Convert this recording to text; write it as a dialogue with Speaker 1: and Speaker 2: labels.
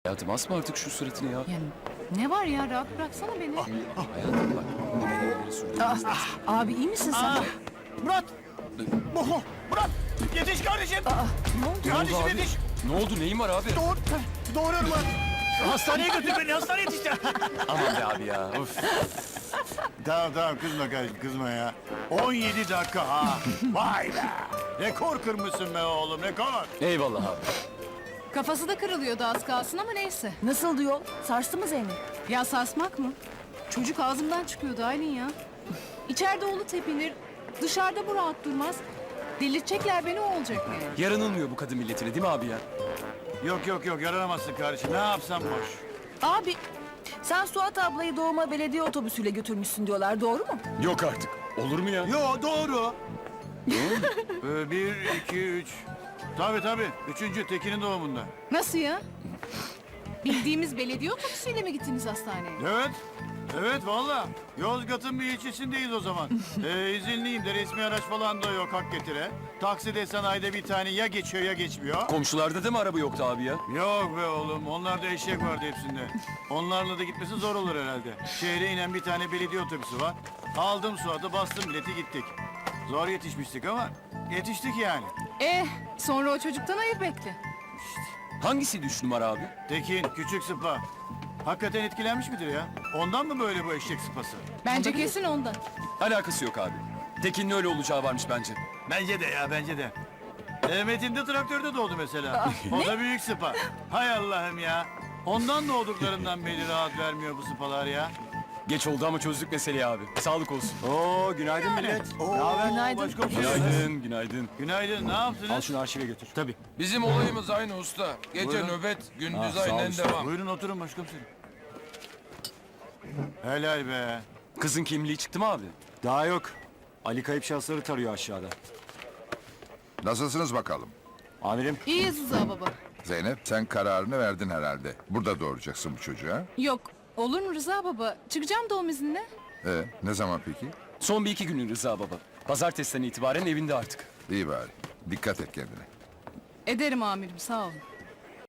Speaker 1: Hayatım asma artık şu suratını ya.
Speaker 2: Yani ne var ya, rahat bıraksana beni.
Speaker 1: Hayatım bak. Bu elleri sürdürmemiz lazım.
Speaker 2: Abi iyi misin sen?
Speaker 3: Murat! Murat! Yetiş kardeşim!
Speaker 2: Ne oldu?
Speaker 3: Kardeşim
Speaker 1: abi?
Speaker 3: yetiş!
Speaker 1: Ne oldu neyin var abi?
Speaker 3: Doğuruyorum Murat! Hastaneye götür beni, hastaneye yetiş ya!
Speaker 1: Aman be abi ya. Of.
Speaker 3: Tamam kızma kardeşim, kızma ya. 17 dakika ha! Vay be! Rekor kırmışsın be oğlum, rekor!
Speaker 1: Eyvallah abi.
Speaker 2: Kafası da kırılıyordu az kalsın ama neyse.
Speaker 4: Nasıl diyor? Sarstı mı Zeynep?
Speaker 2: Ya sarsmak mı? Çocuk ağzımdan çıkıyordu Aylin ya. İçeride oğlu tepinir, dışarıda bu rahat durmaz. Delirtecekler beni, o olacak yani.
Speaker 1: Yaranılmıyor bu kadın milletine değil mi abi ya?
Speaker 3: Yok, yaranamazsın kardeşim, ne yapsam boş.
Speaker 4: Abi sen Suat ablayı doğuma belediye otobüsüyle götürmüşsün diyorlar, doğru mu?
Speaker 1: Yok artık. Olur mu ya?
Speaker 3: Yo doğru. Bir, iki, üç. Tabii. Üçüncü Tekin'in doğumunda.
Speaker 2: Nasıl ya? Bildiğimiz belediye otobüsüyle mi gittiniz hastaneye?
Speaker 3: Evet valla. Yozgat'ın bir ilçesindeyiz o zaman. İzinliyim de resmi araç falan da yok hak getire. Takside sanayide bir tane ya geçiyor ya geçmiyor.
Speaker 1: Komşularda da mı araba yoktu abi ya?
Speaker 3: Yok be oğlum, onlarda eşek vardı hepsinde. Onlarla da gitmesi zor olur herhalde. Şehre inen bir tane belediye otobüsü var. Aldım Suat'ı, bastım bileti, gittik. Zor yetişmiştik ama yetiştik yani.
Speaker 2: Sonra o çocuktan hayır bekle.
Speaker 1: Hangisiydi 3 numara abi?
Speaker 3: Tekin, küçük sıpa. Hakikaten etkilenmiş midir ya? Ondan mı böyle bu eşek sıpası?
Speaker 2: Bence kesin ondan.
Speaker 1: Alakası yok abi. Tekin'in öyle olacağı varmış bence.
Speaker 3: Bence de ya, bence de. Metin de traktörde doğdu mesela. O da büyük sıpa. Hay Allah'ım ya. Ondan doğduklarından beri rahat vermiyor bu sıpalar ya.
Speaker 1: Geç oldu ama çözdük meseleyi abi. Sağlık olsun.
Speaker 3: Oo, günaydın millet. Ne haber?
Speaker 4: Günaydın.
Speaker 1: Günaydın, günaydın.
Speaker 3: Günaydın, ne yaptınız?
Speaker 1: şunu arşive götür. Tabii.
Speaker 5: Bizim olayımız aynı usta. Gece
Speaker 3: Buyurun.
Speaker 5: nöbet, gündüz
Speaker 1: Ha, sağ ol
Speaker 5: aynen
Speaker 1: usta.
Speaker 5: devam.
Speaker 3: Buyurun oturun başkomiserim. Helal be.
Speaker 1: Kızın kimliği çıktı mı abi?
Speaker 6: Daha yok. Ali kayıp şahısları tarıyor aşağıda.
Speaker 7: Nasılsınız bakalım?
Speaker 6: Amirim,
Speaker 2: İyiyiz Rıza baba.
Speaker 7: Zeynep sen kararını verdin herhalde. Burada doğuracaksın bu çocuğa.
Speaker 2: Yok, olur mu Rıza baba? Çıkacağım doğum iznine.
Speaker 7: Ne zaman peki?
Speaker 1: Son bir iki günü Rıza baba. Pazartesiden itibaren evinde artık.
Speaker 7: İyi bari. Dikkat et kendine.
Speaker 2: Ederim amirim, sağ olun.